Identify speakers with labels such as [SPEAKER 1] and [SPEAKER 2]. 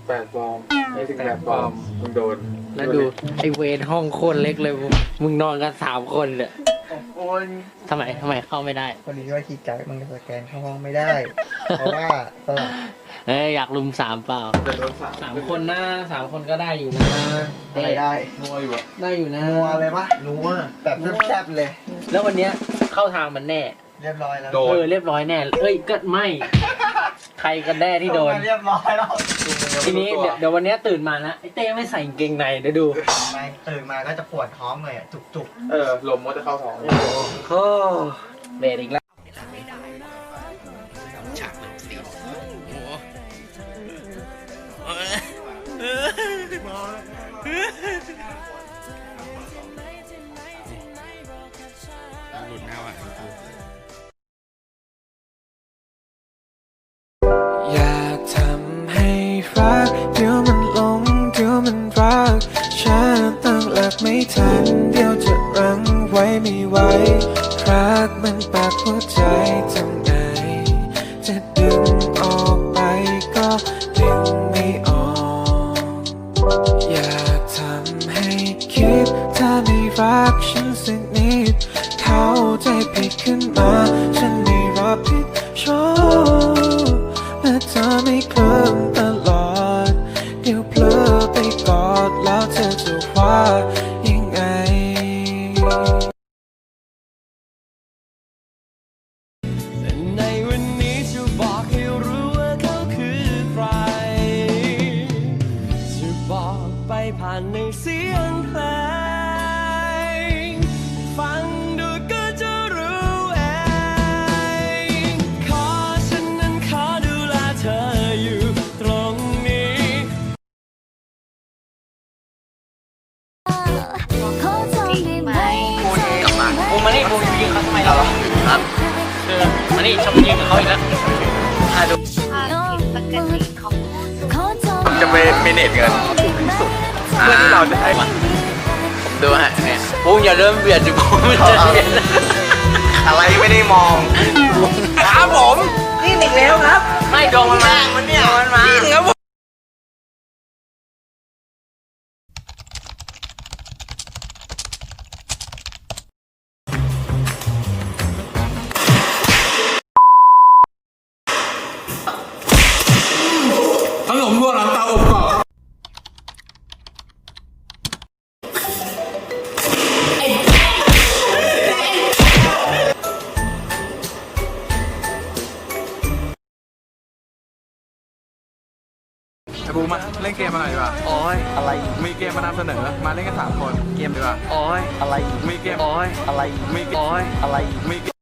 [SPEAKER 1] 18 ฟองไม่ถึง8 ฟองมึงโดน
[SPEAKER 2] แล้วดูไอเวรห้องโคตรเล็กเลยมึงนอนกัน3 คนเลยทำไมเข้าไม่ได้
[SPEAKER 3] คนนี้ว่าคีย์การ์ดมันสแกนเข้าห้องไม่ได้ เพราะว่าสลับ
[SPEAKER 2] อยากลุม3เปล่า3 คนนะ3 คนก็ได้อยู่นะ
[SPEAKER 3] อะไรได้
[SPEAKER 1] นัวอยู่อะ
[SPEAKER 2] ได้อยู่นะ
[SPEAKER 3] นัวเลยปะนัวแบบแซ่บๆเลย
[SPEAKER 2] แล้ววันเนี้ยเข้าทางมันแน่
[SPEAKER 3] เรียบร้อยแล้ว
[SPEAKER 2] เรียบร้อยแน่ก็ไม่ใครกันแน่ที่โดน
[SPEAKER 3] เรียบร้อยแล้ว
[SPEAKER 2] ทีนี้เดี๋ยววันนี้ตื่นมานะไอเต้ไม่ใส่กางเกงในเดี๋ยวดู
[SPEAKER 3] ไม่ตื่นมาก็จะปวดท้องเลยจุก
[SPEAKER 1] ลมก็จะเข้าท้อง
[SPEAKER 2] โอ้เบรกอีกแล้วฉากเลยสิหลุดหน้าว่ะ
[SPEAKER 4] อยากทำให้รักเดี๋ยวมันหลงเดี๋ยวมันรักฉันตั้งหลักไม่ทันเดี๋ยวจะรั้งไว้ไม่ไหวรักมันปากหัวใจทำไงจะดึงออกไปก็ดึงไม่ออกอยากทำให้คิดถ้าไม่รักฉันสักนิดเข้าใจผิดขึ้นมาฉันไม่รับผิดชอบและเธอไม่เคลิ้มตลอดเดี๋ยวเพลอไปกอดแล้วเธอจะว่ายังไงในวันนี้จะบอกให้รู้ว่าเขาคือใครจะบอกไปผ่านในเสียงเพลงฟังดูก็จะรู้เองขอฉันนั้นขอดูแลเธออยู่ตรงนี้
[SPEAKER 2] บูมมานี่บูมยิงเขาทำไมเราครับมานี่ชอบยิงกับเขาอีกแล้วดู
[SPEAKER 1] จะไปเมเนจเงินเพื่อที่เราจะได้
[SPEAKER 2] ดูฮะเนี่ยบูมอย่าเริ่มเบียดจิบูมจะเบียด
[SPEAKER 1] อะไรไม่ได้มองครับผม
[SPEAKER 2] นี่อีกแล้วครับไม่โดนมันมาเนี่ยมันมาครับผม
[SPEAKER 1] ขนมรวมหลังเตาอบกรอบบูมาเล่นเกมมาหน่อยดีกว่า
[SPEAKER 2] โอ้ยอะไร
[SPEAKER 1] มีเกมมานำเสนอมาเล่นกัน3 คนเกมดีกว่า
[SPEAKER 2] โอ้ย
[SPEAKER 1] อะไรมีเกม
[SPEAKER 2] โอ้ย
[SPEAKER 1] อะไรมี
[SPEAKER 2] โอ้ย
[SPEAKER 1] อะไรมี